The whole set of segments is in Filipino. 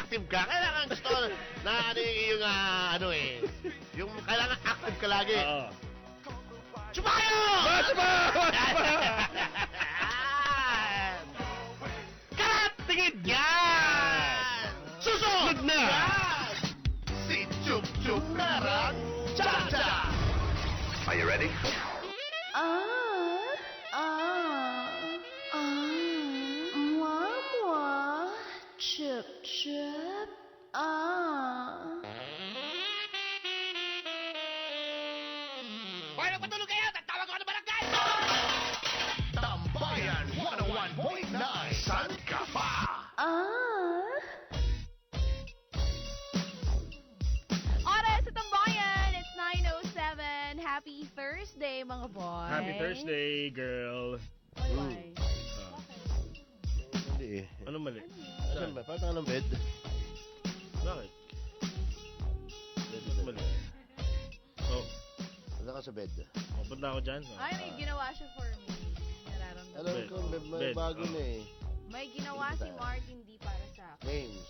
active ka. Kailangan gusto na ano yung ano eh. Yung kailangan active ka lagi. Oo. Sumayo! Karat! Tingin! Yan! Susunod na! Yan! Si Chup Chup Merang Cha-Cha! Are you ready? Mwah, chip, chip, Hoy, magpatulog kayo! Tatawag ko ng barangay! Tambayan 101.9 San Kapa. Oras sa Tambayan, it's 9:07. Happy Thursday, mga boys. Happy Thursday, girl. Why? Hindi eh. Anong mali? Saan ba? Parang ng bed. Bakit? Ba't mali? Oh, Wala ka sa bed. punta ako dyan. Ay, may ginawa siya for me. Nararamdaman. Alam Bed. ko, may Bed. bago na eh. May ginawa si Martin D para sa akin. Names.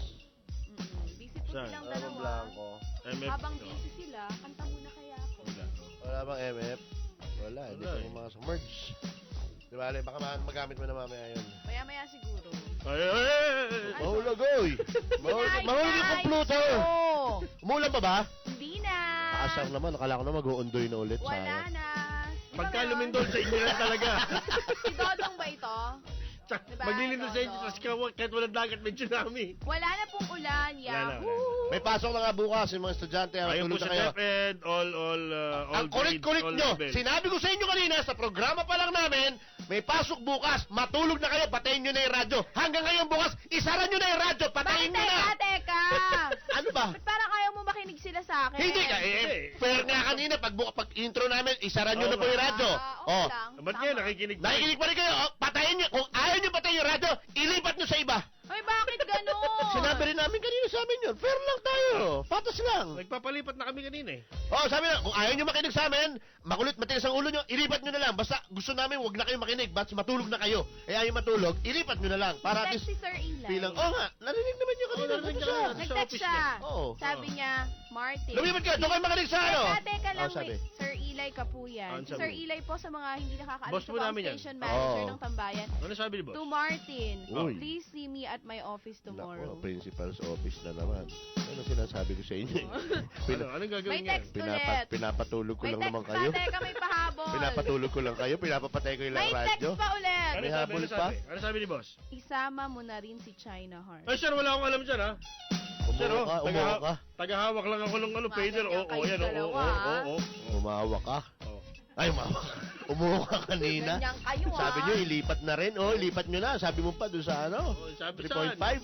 Busy po Saan? silang Alam dalawa. Blanco. MF. Habang no. busy sila, kanta muna kaya ako. Wala. Wala bang MF? Wala, hindi Wala pa eh. mga sa merge. Di ba, Ale? Baka magamit mo na mamaya yun. Maya-maya siguro. Ay, ay, ay, ay. Mahulog, oy! Mahulog yung kompluto! Oo. Umulan pa ba? Hindi na. Kaasar naman, akala ko na mag-uundoy na ulit. Wala Sayang. na. Di ba Pagka ngayon? lumindol sa inyo lang talaga. Si Dodong ba ito? Tsak, Diba, maglilindol sa inyo, Dodong? tapos kahit walang dagat, may tsunami. Wala na pong ulan. Wala na, Yahoo! May pasok na nga bukas yung mga estudyante. Ayun po Tulog na sa kayo. DepEd, all Ang kulit-kulit all nyo. levels. Sinabi ko sa inyo kanina, sa programa pa lang namin, may pasok bukas. Matulog na kayo, patayin nyo na yung radyo. Hanggang ngayon bukas, isara nyo na yung radyo. Patayin nyo na. Teka! Ano ba? Ba't parang ayaw mo makinig sila sa akin? Hindi ka, fair nga kanina, pag intro namin, isara nyo Oo na po yung radyo. Okay Oh, lang. Ba't Tama. kayo nakikinig? nakikinig pa rin kayo. Oh, patayin nyo. Kung ayaw nyo patayin yung radyo, ilipat nyo sa iba. Ay, bakit gano'n? Sinabi rin namin kanina sa amin yun. Fair lang tayo. Patas lang. Nagpapalipat na kami kanina eh. Oh, sabi na, kung ayaw nyo makinig sa amin, makulit, matigas ang ulo nyo, ilipat nyo na lang. Basta gusto namin, wag na kayo makinig. Basta matulog na kayo. Eh, ayaw matulog, ilipat nyo na lang. Para at Nag-text least, si Sir Eli. bilang, oh nga, narinig naman nyo kanina. Oo, narinig Ano niya siya? kanina. Sa Nag-text office siya. Oo. Sabi niya, Martin. Lumipat kayo, doon kayo makinig sa ano. Teka lang, Oh, sabi. wait. Sir Eli Kapuyan. Ano Si sabi? Sir Eli po sa mga hindi nakakaalam Boss sa po namin yan. station manager Oo. ng Tambayan. Ano sabi ni boss? To Martin, Uy. please see me at my office tomorrow. Nako, principal's office na naman. Ano sinasabi ko sa inyo? Anong gagawin May niya? text ulit. Pinapatulog ko May lang text naman pa, kayo. teka, may pahabol. Pinapatulog ko lang kayo, pinapapatay ko yung May radyo. text pa ulit. Ano May sabi? habol Ano pa? sabi? Ano sabi ni boss? Isama mo na rin si China Heart. Ay sir, wala akong alam dyan ha. Sir, Umuha ka, umuha ka. tagahawak lang ako ng ano, Mga pager. ganyan Oo, kayo yan. Oo, dalawa, oo, ah. oo. Umawa ka. Oo. Ay, umawa ka. Umuha ka kanina. Ganyan kayo, ah. Sabi nyo, ilipat na rin. Oh, ilipat nyo na. Sabi mo pa doon sa ano? Oo, sabi 3.5. saan?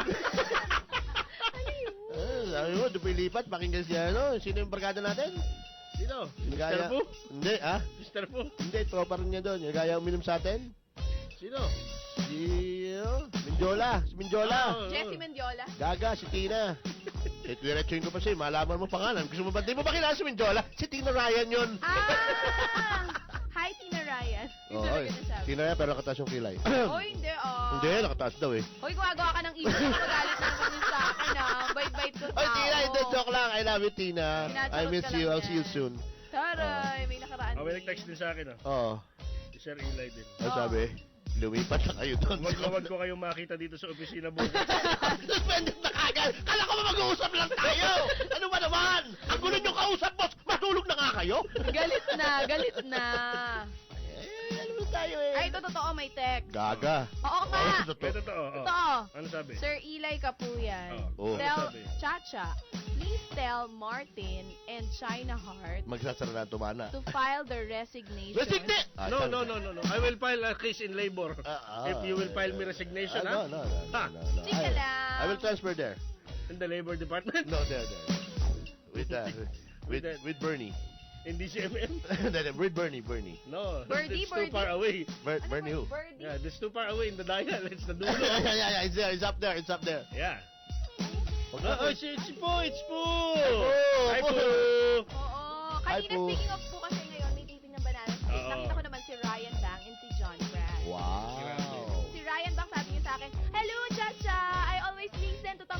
Sabi mo, doon pa ilipat. Pakinggan siya, ano? Sino yung barkada natin? Sino? Mr. Gaya- Fu? Hindi, ah? Mr. Fu? Hindi, tropa rin niya doon. Yung gaya uminom sa atin. Sino? Si, Mindiola. Si Mindiola. Oo. Jessie Mendiola. Gaga, si Tina. Eh, diretsuhin ko pa siya. Malaman mo pangalan. Gusto mo ba? Di mo ba kilala si Mindiola? Si Tina Ryan yun. Ah! Hi, Tina Ryan. Yung Oo, talaga nasabi. Tina Ryan, pero nakataas yung kilay. Hoy, hindi, ah. Hindi, nakataas daw eh. Hoy, gumagawa ka ng issue. Magalit na naman yun sa akin, ah. Bait-bait ko Oy, tao. Tina, hindi, joke lang. I love you, Tina. Sinacharot I miss ka you. lang I'll see you yan. soon. Taray, may nakaraan. Oh, may nag-text din sa akin, oh. Oo. Si Sir Eli din. Ano sabi? Lumipat na kayo doon. Wag ko kayong makita dito sa opisina bukas. Suspended na kagad. Kala ko ba mag-uusap lang tayo? Ano ba naman? Ang gulo nyo kausap, boss. Matulog na nga kayo. Galit na, galit na. Eh, ano ba tayo eh? Ay, ito totoo, may text. Gaga. Oo nga. Oh, Eh, totoo. totoo. Oh. Totoo. Ano sabi? Sir Eli Kapuyan. Oh. Tell Ano sabi? Chacha, please tell Martin and China Heart Magsasara na tumana. to file their resignation. Resignate! No. I will file a case in labor. If you will file me resignation, no, ha? no. Ha? Chika lang. I will transfer there. In the labor department? No, there. With Bernie. In DCMM? With Bernie. No. Birdie, It's too Birdie. far away. Bernie who? Birdie. Yeah, it's too far away in the dial. It's the dulo. yeah, it's there. It's up there. Yeah. Huwag No, na- it's po. Hi, Hi, po. Oo. Hi, Kanina, po. speaking of po kasi ngayon, may taping ng Banana Split. Oo. Nakita ko naman si Ryan Bang and si John Brad. Wow. Si Ryan Bang sabi niya sa akin, Hello, Chacha! I always listen to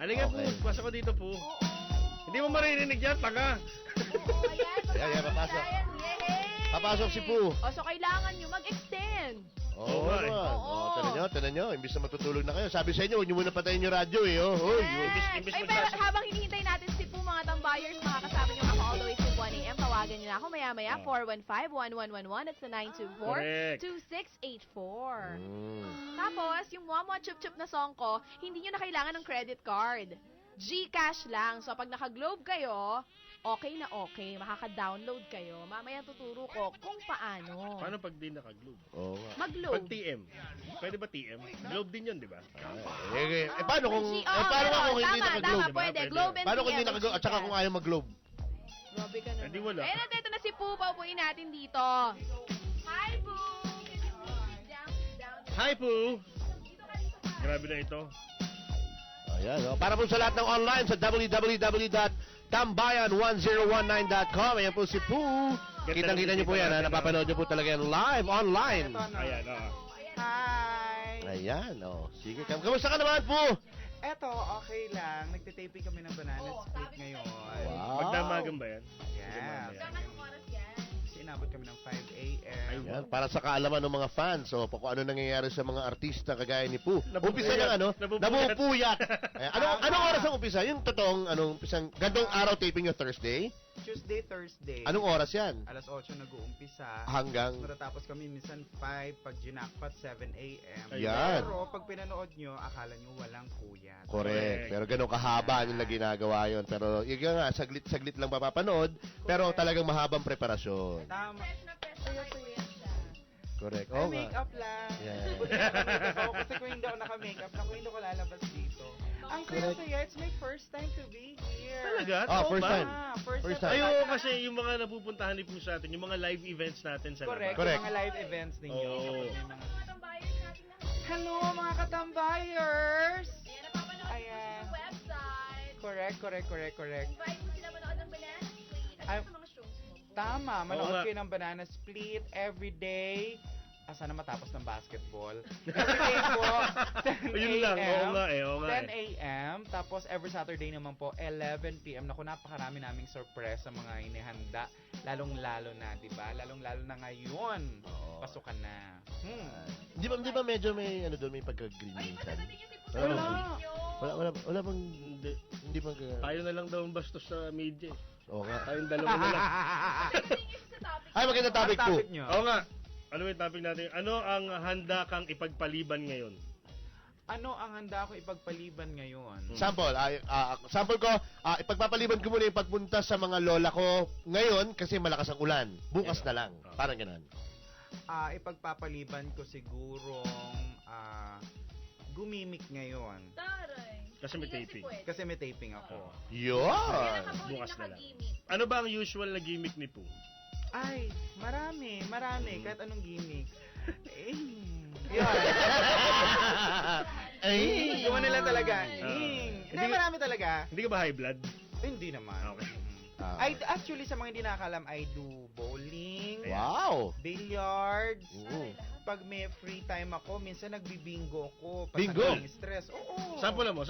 Halika po, pasok ko dito po. Oo. Hindi mo maririnig yan, tanga. Oo, ayan. Ayan, papasok. Ayan, yehey! Papasok si Pooh. O, so kailangan nyo mag-extend. Oo, nga eh. naman. Oo. Tinan nyo. Imbis na matutulog na kayo. Sabi sa inyo, huwag nyo muna patayin yung radyo eh. Oh, oh, yun. imbis Ay, maglas- pero habang hinihintay natin si Pooh, mga tambayers, makakasama nyo ako all the way to 1 a.m. Tawagan nyo na ako maya-maya, 415-1111 at sa Correct. 924-2684. Mm. Tapos, yung Mwa Chup-Chup na song ko, hindi nyo na kailangan ng credit card. GCash lang. So, pag naka-Globe kayo, okay na okay. Makaka-download kayo. Mamaya tuturo ko kung paano. Paano pag di naka-globe? Oo nga. Mag-Globe. Pag TM. Pwede ba TM? Globe din yun, di ba? Paano kung, paano nga kung hindi tama, naka-globe? Tama, pwede. Pwede. Globe and Paano kung hindi TM, naka-globe? At saka kung ayaw mag-globe? Grabe ka naman. Hindi wala. Eh, nandito na si Pooh. Paupuin natin dito. Hi, Pooh! Can you please down? Hi, Pooh! Grabe na ito. Ayan, oh. Para po sa lahat ng online sa www.tambayan1019.com. Ayan po si Pooh. Kitang-kita niyo po yan. Napapanood niyo po talaga yan live, online. Ayan, Hi! Ayan, oh. Sige, kamusta ka naman, Pooh? Eto, okay lang. Nagtitaping kami ng banana split ngayon. Wow. Magdamagan ba yan? Yes. Anong oras yan? Kasi inabot kami ng 5 a.m. Ayan, para sa kaalaman ng mga fans, so, kung ano nangyayari sa mga artista kagaya ni Pooh. Nabubuyat. Umpisa ng ano? Nabubuyat. Nabubuyat. Ayan, anong oras ang umpisa? Yung totoong, umpisang, gandong araw taping yung Thursday? Tuesday, Thursday. Anong oras yan? Alas 8 nag-uumpisa. Hanggang? Natatapos kami minsan 5, pag ginakpat 7 a.m. Yan. Pero pag pinanood nyo, akala nyo walang puyat. Correct. Pero ganun kahaba nila ginagawa yon. Pero yun nga, saglit-saglit lang mapapanood. Pero talagang mahabang preparasyon. Tama. Correct. Ay, Oo nga. makeup lang. Yeah. Buti naka-makeup ako kasi kung hindi ako naka-makeup, naku, hindi ko lalabas dito. Ang Correct. saya-saya. It's my first time to be here. Talaga? Oh, Oo first ba? time. First First time. time. Ayoko kasi yung mga napupuntahan ni Pooh sa atin, yung mga live events natin sa Correct. labas. Correct. Yung mga live events ninyo. Oo. Kapag may mga... Hello, mga katambayers! Ayan, napapanood Ayan. sa website. Correct. Invite mo sila manood ng banana split. Ano Ay, sa mga shows mo? Tama, Oo manood nga. kayo ng banana split every day. Sana matapos ng basketball. Every day po, 10 Yun lang, oo a.m. nga eh, oo nga 10 a.m. Tapos every Saturday naman po, 11 p.m. Naku, napakarami naming surprise sa mga inihanda. Lalong-lalo na, di ba? Lalong-lalo na ngayon. Oo. Pasukan na. Di ba medyo may ano doon, may pagka-green minsan? Wala bang hindi bang Tayo na lang daw ang bastos sa media. Oo nga. Tayong dalawa na lang. Ay, maganda topic po. Topic nyo. Oo nga. Ano yung topic natin? Ano ang handa kang ipagpaliban ngayon? Ano ang handa ko ipagpaliban ngayon? Sample, sample ko, ipagpapaliban ko muna yung pagpunta sa mga lola ko ngayon kasi malakas ang ulan. Bukas na lang. Parang ganun. Ipagpapaliban ko sigurong gumimik ngayon. Taray. Kasi may taping. Kasi may taping ako. Yun! Bukas na lang. Ano ba ang usual na gimmick ni Pooh? Ay, marami. Kahit anong gimmick. Yun. Ay! Gawa nila talaga. Hindi Hindi, marami talaga. Hindi ka ba high blood? Hindi naman. Okay. I actually, sa mga hindi nakakalam, I do bowling, Wow! billiards. Oo. Pag may free time ako, minsan nagbibingo ako. Bingo? Pag stress. Oo. Sample mo.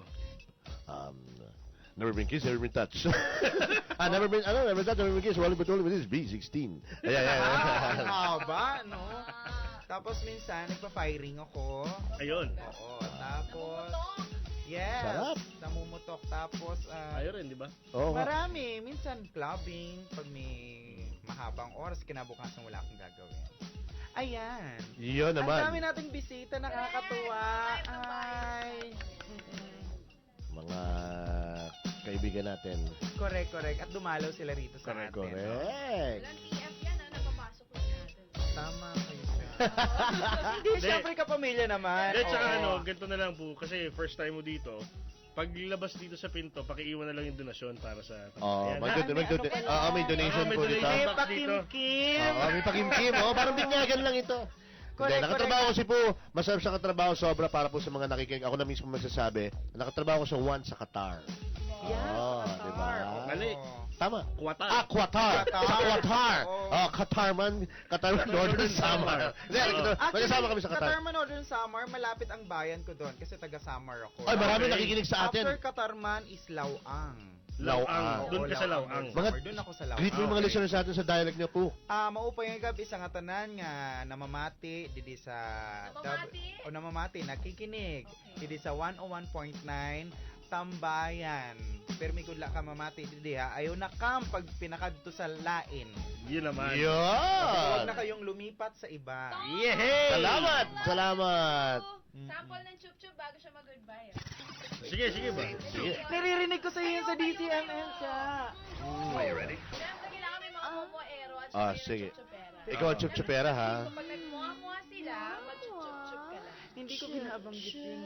Never been kissed, never been touched. Never been touched, never been kissed. Well, but only with this B16. Ayan. Haba, no? Tapos minsan, nagpa-firing ako. Ayun. Oo. Tapos, yes. Sarap. Namumutok. Tapos, Ayun rin, di ba? Oo nga. marami. Minsan, clubbing. Pag may mahabang oras, kinabukasan wala akong gagawin. Ayan. Yun Ang dami naman. nating bisita, nakakatuwa. Ay. Mga kaibigan natin. Correct. At dumalaw sila rito sa atin. Correct. Walang TF yan, napapasok lang natin. Tama kayo. Hindi, syempre kapamilya naman. Hindi, tsaka Oo. ganito na lang po. Kasi first time mo dito, paglabas dito sa pinto, pakiiwan na lang yung donasyon para sa... Oh, Ayan. may donation may po dito. donation. May Box pakimkim. May pakimkim. Parang binyagan lang ito. Correct, Nakatrabaho si Pooh. Masarap sa katrabaho sobra para po sa mga nakikinig. Ako na mismo magsasabi. Nakatrabaho ko sa One sa Qatar. Yes, Oh, sa Qatar. diba? Oo. Mali. Tama. Qatar. Qatar. Qatar. Sa Qatar. Oo. Qatar man. Qatar man, Northern Samar. Hindi, magkasama kami sa Qatar. Qatar man Northern Samar, malapit ang bayan ko doon kasi taga Samar ako. Ay, marami Okay. nakikinig sa atin. After Qatar man is Lawang. Laang. Doon ka sa Lawang. Laang. Mga- Doon ako sa Lawang. Greet mo yung mga Okay. listeners natin sa dialect niyo po. Maupay nga gabi sa nga tanan nga namamati didi sa Namamati? namamati nakikinig didi sa 101.9 Tambayan. Pero may kudla ka mamati didi ha. Ayaw na kam pag pinakadto sa lain. Yun naman. Huwag Yun. na kayong lumipat sa iba. Yehey! Salamat. Salamat. Sample ng chup-chup bago siya mag-goodbye. Sige, sige ba? Sige. Naririnig ko sa iyo sa DCML siya. Are you ready? Siyempre, kailangan may mga momo-ero at Ah, saka yung sige. chup-chupera. Ikaw ang chup-chupera, ha? So, pag nagmuha-muha sila, mag-chup-chup ka lang. Hindi ko binabanggit yun.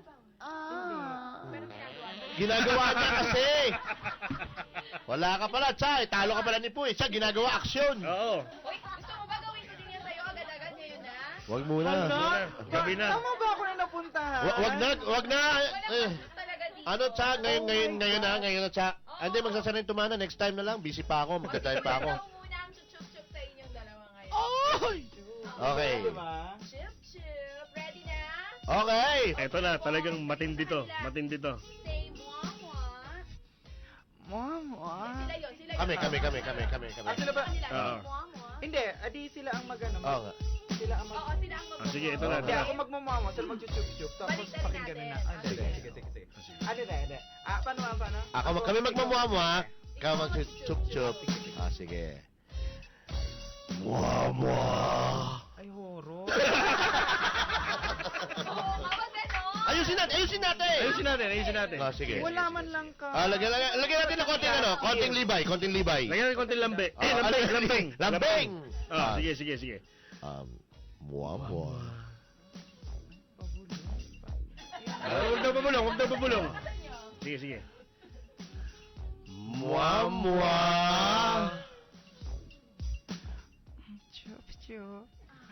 Pero ginagawa mo. Ginagawa niya kasi. Wala ka pala, Chay. Talo ka pala ni Puy. Siya, ginagawa aksyon. Oo. Uy, gusto mo ba gawin ko din yan sa'yo agad-agad ngayon na? Wag muna. Gabi na. Tama ba ako na napuntahan? Wag na, wag na. Walang Eh. bastos talaga dito. Ano, Cha? Ngayon na, Cha. Hindi, magsasanay tumana. Next time na lang. Busy pa ako. Magdadrive pa ako. Ikaw muna ang chup-chup sa inyong dalawa ngayon. Ay! Okay. Diba? Chup-chup. Ready na? Okay. Eto na, talagang matindi to. Matindi to. Say muah-muah. Sila yun, sila yun. Kami. Ah, sila ba? Kanila, Oo. say muah-muah. Hindi, adi sila ang magano. Oo nga. Sila ang mag... Oo, sila ang Ah, sige, ito na. Hindi, ako magmamama, sila magchuchup-chup, tapos Baliktarin pakinggan na. natin. Ah, sige. Ano. Paano? Kami magmamuha-muha. Ikaw mag-chup-chup. Ah, sige. Muha-muha. Ay, horo. Oo, kapag gano'n. Ayusin natin. Ayusin natin. Ah, sige. Wala man lang ka. Lagyan natin ng konting libay. Lagyan natin konting lambe. Ah, lambing. Ah, sige. Muha-muha. Huwag daw pabulong. Sige. Muha-muha. Chup-chup.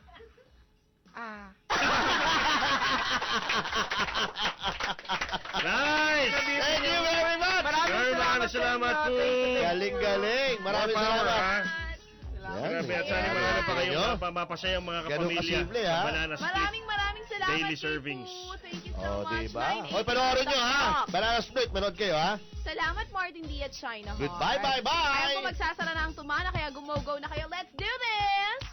Nice! Thank you very much. Maraming salamat po. Galing. Maraming More power, salamat. ha? Yan. Grabe, at sana marami pa kayong Nyo? mapasayang mga Ganun kapamilya. kasimple, ha? Sa Banana Split. Maraming salamat, Daily Chifu. servings. Thank you so Oh, much. diba? My name Hoy, is panoorin nyo, ha? Stop. Banana Split, manood kayo, ha? Salamat, Martin D. at China. Goodbye, bye. Ayan po, magsasara na ang tumana, kaya gumogo na kayo. Let's do this!